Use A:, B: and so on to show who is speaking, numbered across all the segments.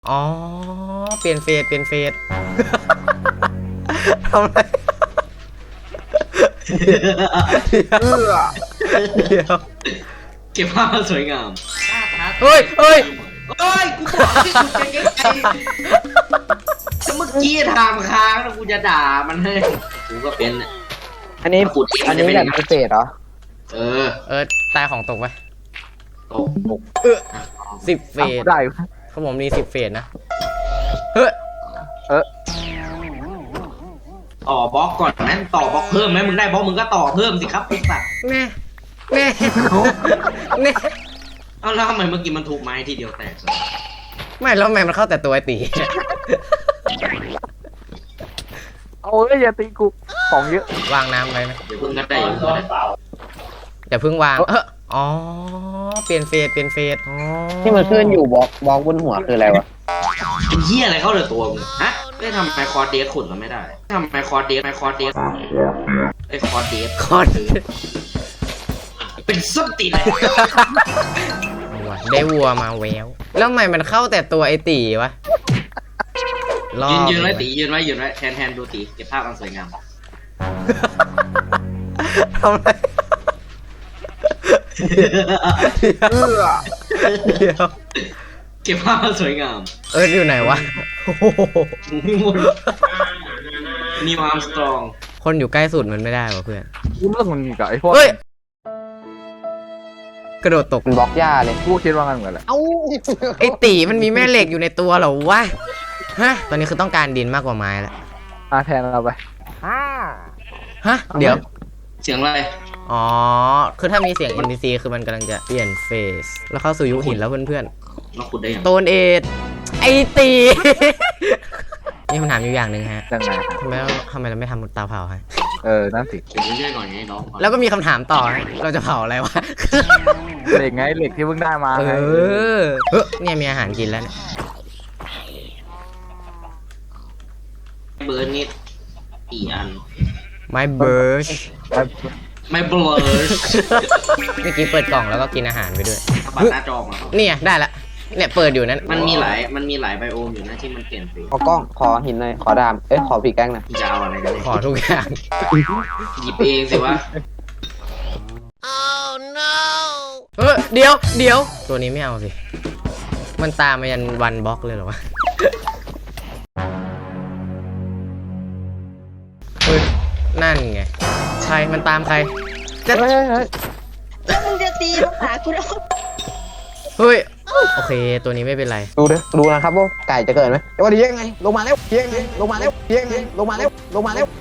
A: อ๋อเปลี่ยนเฟสทำอะไรเดี๋ยว
B: เก็บภาพสวยงาม
A: เฮ้ย
B: กูบอกที่สุดจะยังไงถ้าเมื่อกี้ทำค้างแล้วกูจะด่ามันให้กูก็เป็นน่ะ
C: อันนี้
B: ขุดเอง
C: อันนี้
B: จะเป็น
C: แบ
B: ยัง
C: บ
B: ไง
C: พิเศษเหรอ
A: ตายของตกไป
B: ตก
A: 10 เฟส
C: ได้
A: เขาบอกมี10 เฟสนะเฮ้ย
B: ต่อบล็อกก่อนไหมต่อบล็อกเพิ่มไหมมึงได้บล็อกมึงก็ต่อเพิ่มสิครับไอ้สัตว์
A: แน่
B: เอาแล้วทำไมเมื่อกี้มันถูกไม้ทีเดียวแตกเลย
A: ไม่แล้วแม่มันเข้าแต่ตัวไอตี
C: เอาเลยอย่าตีกูของเยอะ
A: วางน้ำไว้ไหม
B: เดี๋ยวเพิ่งก็ได้อยู่ก็ได้
A: อย่าเพิ่งวางอ๋อเปลี่ยนเฟสอ๋อ
C: ที่มันขึ้นอยู่บล็อกบนหัวคืออะไรวะ
B: เป็นเหี้ยอะไรเข้าเลยตัวมึงฮะไม่ทำไมคอร์เดสขุดเราไม่ได้ทำไมคอร์เดสไอคอร์เดส
A: คอน
B: เป็นส้นตีนเลย
A: ได้วัวมาแววแล้วทำไมมันเข้าแต่ตัวไอตีวะ
B: ยืนไว้ตียืนไว้แทนดูตีเก็บภาพอันสวยงาม
A: ทำอะไรเดี๋ยว
B: เก็บภาพอันสวยงาม
A: อยู่ไหนวะ
B: นิวอาร์มสตรอง
A: คนอยู่ใกล้สุดมันไม่ได้วะเพื่อน
C: กูเลิกมันกับไอ้พวก
A: เฮ้ยกระโดดตก
C: มันบล็อกหญ้าเลยกูคิดว่างั้นเหมือนกันแหละ
A: ไอตีมันมีแม่เหล็กอยู่ในตัวเหรอวะฮะตอนนี้คือต้องการดินมากกว่าไม้แล้ว
C: แทนเราไป
A: ฮะเดี๋ยว
B: เสียงอะไร
A: อ๋อคือถ้ามีเสียง NPC คือมันกำลังจะเปลี่ยนเฟสแล้วเข้าสู่ยุคหินแล้วเพื่อน
B: เราขุดได้ยัง
A: ๆโตนเอทไอตีนี่คำถามอยู่อย่างหนึ่งฮะ
C: ยังไง
A: ทำไมเราไม่ทำเตาเผาฮะ
C: นั่นสิ
B: เดี๋ยวเรื่อยๆหน่อยไงน้อง
A: แล้วก็มีคำถามต่อฮะเราจะเผาอะไรวะ
C: เหล็กไงเหล็กที่เพิ่งได้มา
A: เอ
C: ไง
A: เนี่ยมีอาหารกินแล้วเนี่ย
B: เบิร์นนี่กี่อัน
A: ไม้เบิร์ช
B: ไม่เบิร์น
A: เมื่อกี้เปิดกล่องแล้วก็กินอาหารไปด้วย
B: บัตรหน้าจอมา
A: เนี่ยได้ละเนี่ยเปิดอยู่นั้น
B: มันมีหลายไบโอมอยู่นะที่มันเปลี่ยนสี
C: ขอกล้องขอหินหน่อยขอดามขอปีกแก้งหน่อย
B: จะเอาอะไรกันเนี่ย
A: ขอทุกอย่าง
B: หยิบเองสิวะ
A: เดี๋ยวตัวนี้ไม่เอาสิมันตามมายันวันบล็อกเลยเหรอวะเฮ้ยนั่นไงใครมันตามใครจะ
C: เฮ้ย
D: แล้วมึงจะตีมาหากูแล้ว
A: เฮ้ยโอเคตัวนี้ไม่เป็นไร
C: ดูนะครับว่าไก่จะเกิดไหมว่าดียังไงลงมาแล้วยังไงลงมาแล้วยังไงลงมาแล้วลงมาแล้ว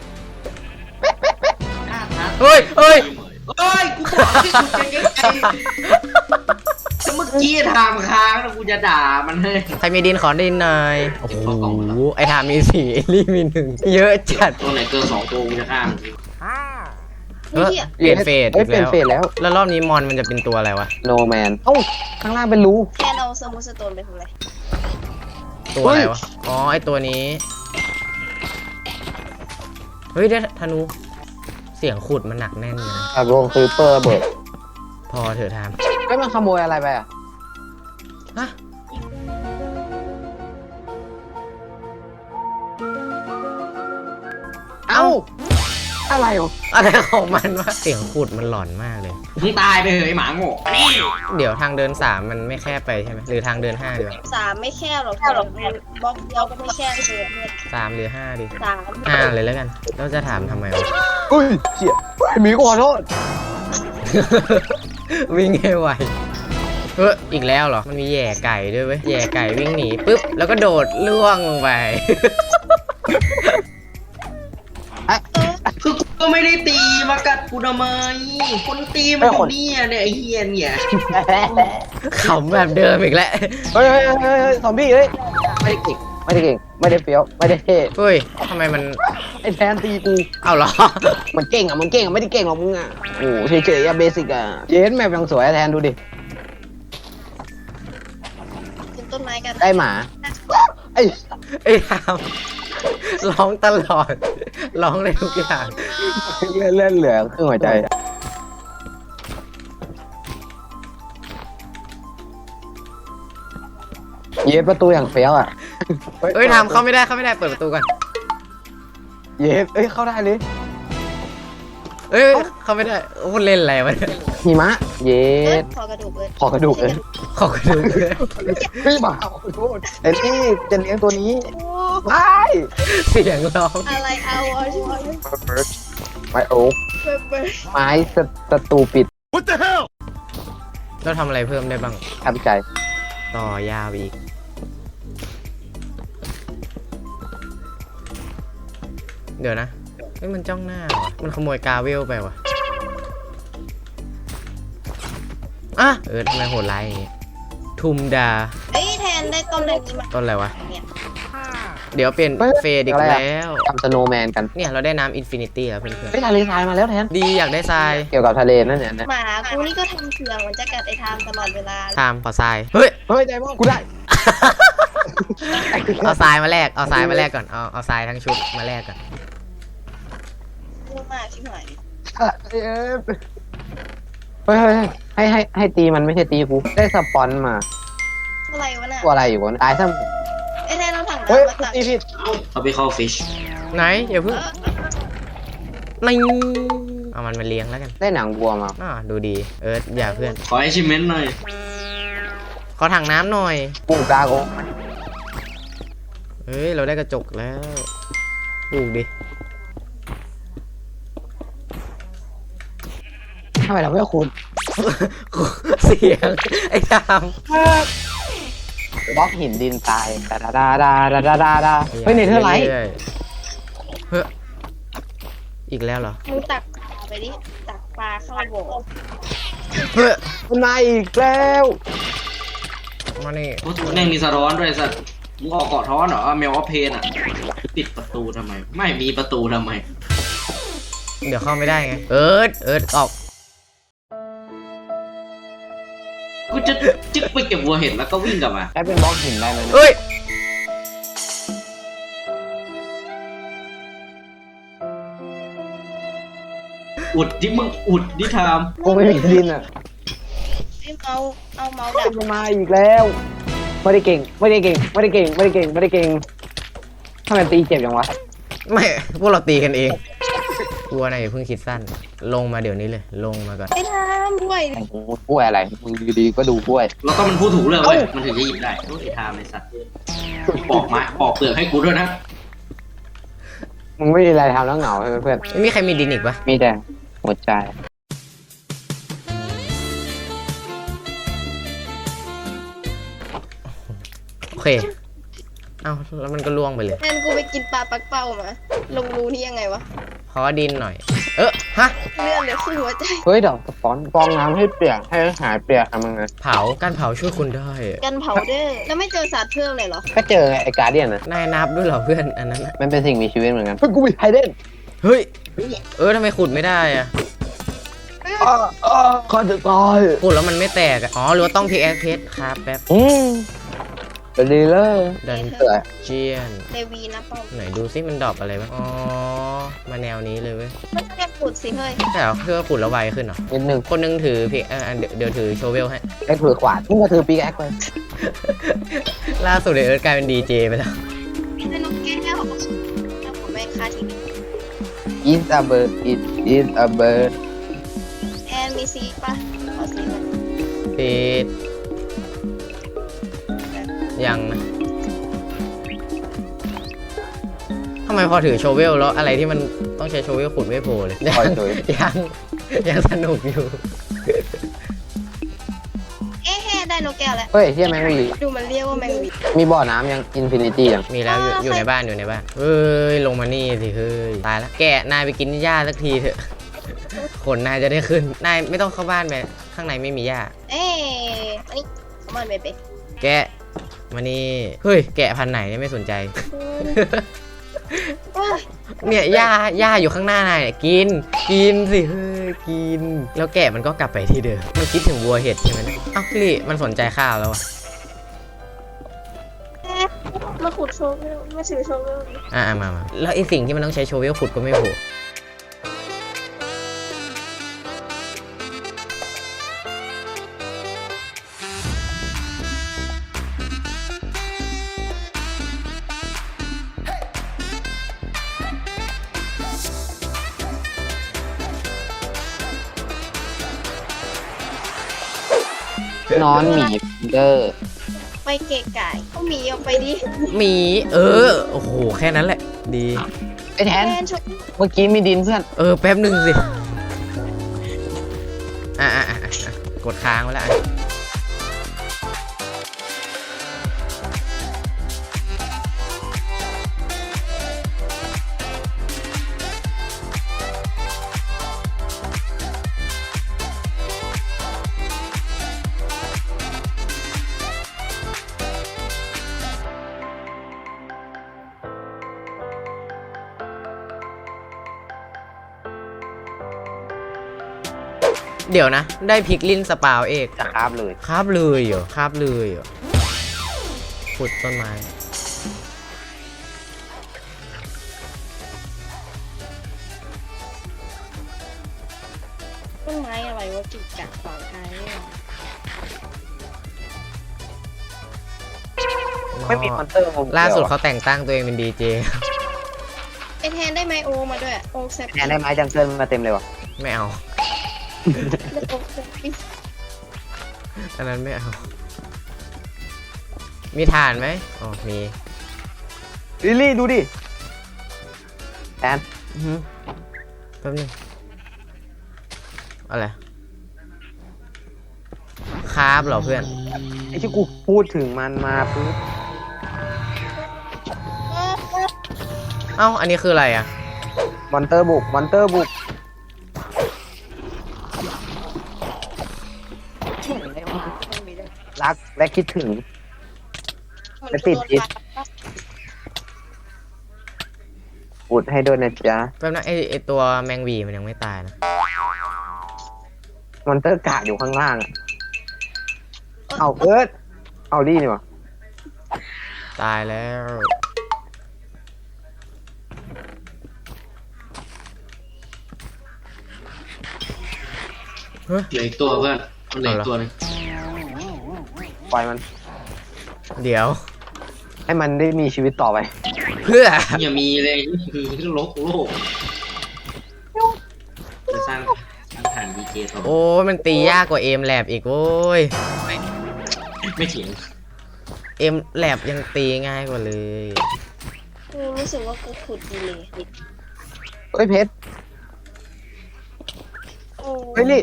A: เฮ้ย
B: กูบอกที่สุดจะยังไงถ้าเมื่อกี้ทำค้างแล้วกูจะด่ามันให้
A: ใครมีดินขอดินหน่อยโอ้โห
B: เก็บเข้ากล่องมาแล้ว
A: ไอทามมี4เอลี่มี1เยอะจัด
B: ตัวไหนเกิน2ตัวกูจะฆ่ามัน
A: เปลี่ยนเฟส
C: เปลี่ยนเฟสแล้ว
A: แล้วรอบนี้มอนมันจะเป็นตัวอะไรวะ
C: โนแมนข้างล่างเป็นรู
D: แค่เอาสมุทรสโตนไปทำอะไร
A: ตัวอะไรวะอ๋อไอตัวนี้เฮ้ยได้ธนูเสียงขุดมันหนักแน่นเลยนะ
C: กับวงคลิปเปอร์เบิร์ด
A: พอเถอะทาม
C: มันขโมยอะไรไปอ่ะ
A: ฮะ
C: อะไรวะ
A: อะไรของมันวะเสียงขุดมันหลอนมากเลย
B: มึงตายไปเหยหมาโง่นี่
A: เดี๋ยวทางเดิน3มันไม่แคบไปใช่ไหมหรือทางเดิน5ดีวะ
D: 3ไม่แค่หรอกบล็อกเดียวก็ไม่แค่เกินเนี่ย
A: 3หรือ5ดี
D: 3
A: 5เลยแล้วกันแล้วจะถามทำไมวะ
C: อุ้ยเชี่ยหมีขอโทษ
A: วิ่งให้ไวอีกแล้วเหรอมันมีแย่ไก่ด้วยเว้ยแย่ไก่วิ่งหนีปุ๊บแล้วก็โดดล่วงลงไป
B: คือกูก็ไม่ได้ตีมากัดกูทำไมคนตีมันอยู่เนี่ยไอ้เฮียเนี่ย
A: ขำแบบเดิมอีกแล้ว
C: เฮ้ยซอมบี้เฮ้ยไม่ได้เก่งไม่ได้เฟี้ยวไม่ได้เท่
A: เฮ้ยทำไมมัน
C: ไอ้แทนตีกู
A: เอาเหรอ
C: มันเก่งไม่ได้เก่งหรอกมึงอ่ะโอ้เฉยๆอะเบสิกอะเย็นแมปยังสวยแทนดูดิ
D: ขึ้นต้นไม้กัน
C: ได้หมาไอ้
A: ไอ้ทามร้องตลอดร้องเลยทุกอย่าง
C: เล่นเหลือครึ่งหัวใจเย็บประตูอย่างเฟี้ยวอ่ะ
A: เอ้ยทำเข้าไม่ได้เปิดประตูก่อน
C: เย็บเข้าได้เลย
A: เอ้ยเข้าไม่ได้โอ้เล่นอะไรวะเนี่ย
C: หิมะ เย็
D: เอ้ย
C: บ
D: ขอกระดูกเลย
C: ขอกระดูกเลย
A: ขอกระดูกเลย
C: ไม่มาขอโทษไอ้นี่จะเลี้ยงตัวนี้
D: โอ้
C: ไม่
A: เสียงร้อง
D: อะไรเอาอ่ะช่วย
C: ไม้โอ๊ก
D: เบิร์ด
C: ไม้สตูปิด
A: เราทำอะไรเพิ่มได้บ้าง
C: ทำใจ
A: ต่อยาวอีก เดี๋ยวนะเฮ้ยมันจ้องหน้าว่ะมันขโมยกาเวลไปว่ะอ่ะทำไมโหดร้ายอย่างงี้ทุมดา
D: เอ้ยแทนได้ต้นอะไรนี้มา
A: ต้นอะไรวะ
D: เนี่ย
A: เดี๋ยวเปลี่ยนเฟดอีกแล้ว
C: ทำสโนว์แมนกัน
A: เนี่ยเราได้น้ำอินฟินิตี้แล้วเพื่อน
C: เฮ้ยทะเลทรายมาแล้วแทน
A: ๆดีอยากได้ทราย
C: เกี่ยวกับทะเลนั่นเนี่ยนะ
D: หมากูนี่ก็ทำเสียงเหมือนจะกัดไอ้ไทม์ตลอดเวลา
A: ทามขอทราย เฮ้ย
C: เฮ้ยไดมอนด์กูได้
A: เอาทรายมาแลกเอาทรายมาแลกก่อน เอาทรายทั้งชุดมาแลกก่อน
D: เยอะมากชิบหาย
C: เฮ้ยให้ตีมันไม่ใช่ตีกูได้สปอนมา
D: อะไรวะน่ะ
C: ตัวอะไรอยู่วะตายซะ
D: ไอ้แทนเราถัง
C: เฮ้ย
D: น้ำมาตัก
C: ตีผิด
B: เขาไปเข้าฟิช
A: ไหนอย่าเพิ่งนี่เอามันมาเลี้ยงแล้วกัน
C: ได้หนังวัวมา
A: ดูดี อย่าเพื่อน
B: ขอ achievement หน่อย
A: ขอถังน้ำหน่อย
C: ปลูกดาโก
A: เฮ้ย เราได้กระจกแล้วปลูกดิ
C: ทำไมเราไม่คุณ
A: เสียง ไอ้ทาม
C: บล็อกหินดินทรายดาดาดาดาดาดาดาเฮ้ยเนเธอร์ไลท์
A: รื่อยๆเฮ้ยอีกแล้วเหรอ
D: มึงตักปลาไปดิ ตักปลาเข้าโบก
A: เฮ้ย
C: มันมาอีกแล้ว
A: มานี่
B: โอ้โหแม่งมีสะท้อนด้วยสัตว์มึงออกเกาะท้อนเหรอแมวออฟเพนอ่ะปิดประตูทำไม ไม่มีประตูทำไม
A: เดี๋ยวเข้าไม่ได้ไง ออก
B: กูจะจึ๊กไปเก็บวัวเห็ดแล้วก็วิ่งกลับมา
C: ใช้เป็นบล็อกหินได้ไหมเนี่ย
A: เฮ้ย
B: อุดที่มึงอุดที่ทาม
C: กูไม่มีดินอ่ะ
D: ไอ้เอาเมาส์ดับ
C: มันมาอีกแล้วไม่ได้เก่งไม่ได้เก่งไม่ได้เก่งไม่ได้เก่งไม่ได้เก่งทำไมตีเจ็บอย่างวะ
A: ไม่ พวกเราตีกันเองกลัวนะอย่าเพิ่งคิดสั้น ลงมาเดี๋ยวนี้เลย ลงมาก่อน
D: ไอ้ไทม์ด้วย
C: กล้วยอะไรมึงดีๆก็ดูกล้วย
B: แล้วก็มันพูดถูกเรื่องเว้ยมันถึงจะหยิบได้โอ้ยไอ้ทามไอ้สัตว์ปอกไม้ปอกเปลือกให้กูด้วยนะ
C: มึงไม่มีอะไรทำแล้วเหงาใช่ไหมเพื่อน
A: ไม่มีใครมีดินอีกปะ
C: มีแต่หัวใจ
A: โอเค เอ้าแล้วมันก็ล่วงไปเลย
D: แทนกูไปกินปลาปักเป้ามา ลงรูนี่ยังไงวะ
A: ขอดินหน่อย ฮะ
D: เลื่อนเหลือครึ่งหัวใจ
C: เฮ้ยดอกสปอนฟองน้ำให้เปียกให้หายเปียกทำยังไง
A: การเผาช่วยคุณได้
D: กันเผาเด้อแล้วไม่เจอสัตว์เพิ่มเลยเหรอ
C: ก็เจอไงไอ้การเดียนนะ
A: นายนับด้วยเหรอเพื่อน อันนั้นน่ะ
C: มันเป็นสิ่งมีชีวิตเหมือนกันเฮ้ยกูมีไฮเดน
A: เฮ้ย ทำไมขุดไม่ได้อะ
C: ข้าจะตาย
A: ขุดแล้วมันไม่แตกอะอ๋อหรือว่าต้องพิกแอคเพชรครับแป๊บ
C: เป็นดีเลย
A: ดัน
C: เกิด
A: เจียน
D: เดวีนะป้อม
A: ไหนดูซิมันดรอปอะไรบ้างอ๋อ มาแนวนี้เลยเว้ย
D: ไม่ใช่ขุดสิเฮ้ย
A: แต่เหรอเพื่อขุดแล้วไวขึ้นเหรอ
C: นิดนึง
A: คนนึงถือพิกเดี๋ยวถือโชเวลให้
C: ไอ้ถือขวานมึงก็ถือปีกแอคไป
A: ล่าสุดเอิร์ธกลายเป็นดีเจไปแล้ว
D: เป็นนกแก้วแล้วผมไม่ค่าทีวี
C: is a bird it is a bird
D: แอนมีซีป่ะขอซีหน่อย
A: ปิดยังนะทำไมพอถือโชเวลแล้วอะไรที่มันต้องใช้โชเวลขุดไม่โผล่เลย
C: ปล่อยเลย
A: ยังสนุกอยู่
D: เอ๊ะได้นกแก้วแล้ว
C: เฮ้ยเฮียแมงวี
D: ดูมันเรียกว่าแมงวี
C: มีบ่อน้ำยังอินฟินิตี้ยัง
A: มีแล้วอยู่ในบ้านเฮ้ยลงมานี่สิเฮ้ยตายแล้วแกะนายไปกินหญ้าสักทีเถอะขนนายจะได้ขึ้นนายไม่ต้องเข้าบ้านไปข้างในไม่มีหญ้า
D: เอ๊ะอันนี้สมอนเบเบ้
A: แกะมานี่เฮ้ยแกะพันธุ์ไหนเนี่ยไม่สนใจ
D: โอ้ย
A: เนี่ยหญ้าอยู่ข้างหน้านายเนี่ยกินสิเฮ้ยกิน แล้วแกะมันก็กลับไปที่เดิมมันคิดถึงวัวเห็ดใช่ไหมเนี่ยอ้าวลี่มันสนใจข้าวแล้วอะ
D: มาขุดโชว์มาถือโชว์
A: มาแล้วไอ้สิ่งที่มันต้องใช้โชเวลขุดก็ไม่โผล่
C: นอนหมีเดอร์
D: ไปเกะกายก็หมีออกไปดิ
A: หมี โอ้โห แค่นั้นแหละ ดี
C: ไอ้แทน
D: แทนชุด
C: เมื่อกี้มีดินเพื่อน
A: แป๊บหนึ่งสิ กดค้างไว้แล้วอ่ะเดี๋ยวนะ ได้พริกลิ้นสปาวเอก
C: จะคาบเลย
A: คาบเลยเหรอคาบเลยเหรอขุดต้นไม้
D: ต้นไม้อะไรวะจุกจักขวางทางเนี่ย
C: ไม่มีมอนเตอร์
A: ล่าสุดเขาแต่งตั้งตัวเองเป็นดีเจ
D: ไอแทนได้ไมโอมาด้วยโอแซป
C: แทนได้ไม้จังเกิลมาเต็มเลยวะ
A: ไม่เอา
D: ได้โอแซปปิ้ง
A: อันนั้นไม่เอา มีฐานไหมอ๋อมี
C: ลิลลี่ดูดิแทน
A: อื้อหือแป๊บนึงอะไรคาบเหรอเพื่อน
C: ไอ้ที่กูพูดถึงมันมาปุ๊บ
A: เอ้า อันนี้คืออะไรอ่ะ
C: มอนเตอร์บุกมอนเตอร์บุกรักและคิดถึง
D: มัน
C: ไปติดพิษ อุดให้ด้วยนะจ๊ะ
A: แป๊บนะไอตัวแมงวีมันยังไม่ตายนะ
C: มอนเตอร์กะอยู่ข้างล่างอะเอาเอิร์ธเอาดีนี่วะ
A: ตายแล้ว
B: เหลืออีกตัวเพื่อนมันเหลืออีกตัวหนึง
C: ปล่อยมัน
A: เดี๋ยว
C: ให้มันได้มีชีวิตต่อไป
A: เพื่อ
B: อย่ามีเลยนี่คือโลกจะสร้างฐานดีเจต่อ
A: โอ้ยมันตียากกว่าเอมแลบอีกโว้ย
B: ไม่เถียง
A: เอมแลบยังตีง่ายกว่าเลย
D: กูรู้สึกว่ากูขุดดีเลย
C: เฮ้ยเพชร
D: โอ้
C: เฮ้ยลี่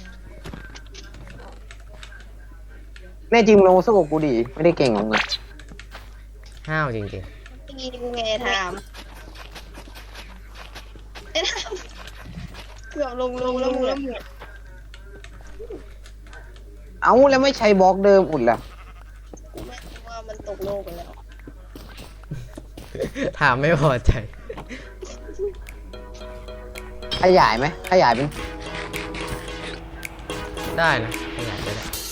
C: แน่จริงมึงลงสู้กับกูดิไม่ได้เก่งหรอกนะ
A: ห้าวจริง
D: ตีกูไงทามไอ้ทามเกือบลงแล้วมึงอะ
C: เอ้าแล้วไม่ใช้บล็อกเดิมอุดล่ะ
D: กูไม่รู้ว่ามันตกโลกไปแล้ว
A: ๆ ถามไม่พอใจ
C: ขยายไหมขยายเป็น
A: ได้นะขยายไปได้